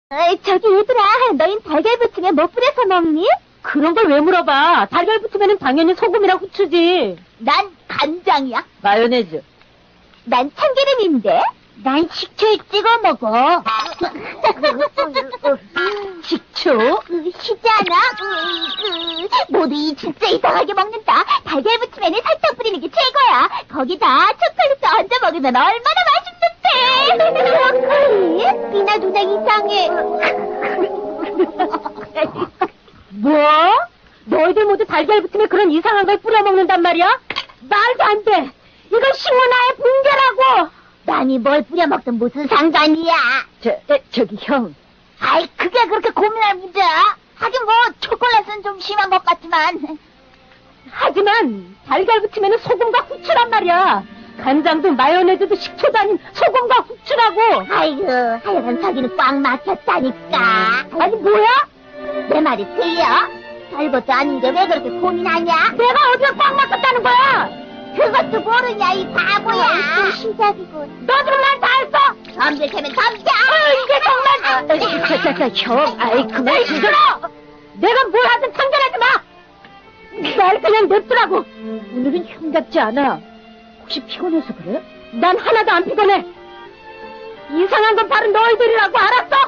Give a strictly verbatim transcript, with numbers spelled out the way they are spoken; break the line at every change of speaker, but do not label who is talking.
어이, 저기 얘들아, 너흰 달걀 부침에 뭐 뿌려서 먹니?
그런 걸 왜 물어봐? 달걀 부침에는 당연히 소금이랑 후추지.
난 간장이야.
마요네즈.
난 참기름인데. 난 식초에 찍어 먹어.
식초?
쉽지 않아? 모두 이 진짜 이상하게 먹는다. 달걀 부침에는 설탕 뿌리는 게 최고야. 거기다 초콜릿도 얹어 먹으면 얼마나 맛있는데. 초콜릿? 미나 누나 이상해.
뭐? 너희들 모두 달걀 부침에 그런 이상한 걸 뿌려 먹는단 말이야? 말도 안 돼. 이건 식문화의 붕괴라고.
난이 뭘 뿌려 먹든 무슨 상관이야.
저, 에, 저기 형.
아이, 그게 그렇게 고민할 문제야. 하긴 뭐 초콜릿은 좀 심한 것 같지만.
하지만 달걀 부침에는 소금과 후추란 말이야. 간장도 마요네즈도 식초도 아닌 소금과 후추라고.
아이고, 하여간 저기는 꽉 막혔다니까.
아니 뭐야?
내 말이 틀려? 별것도 아닌데 왜 그렇게 고민하냐?
내가 어디가 꽉 막혔다는 거야?
그것도 모르냐, 이 바보야.
어, 또
시작이군.
너 지금 날 다 했어?
점들캐면 덤벼.
아, 이게 정말. 아, 자자자 형, 아이 그만 시끄러. 내가 뭘 하든 상관하지 마. 날 그냥 냅두라고. 오늘은 형 같지 않아. 혹시 피곤해서 그래? 난 하나도 안 피곤해. 이상한 건 바로 너희들이라고 알았어?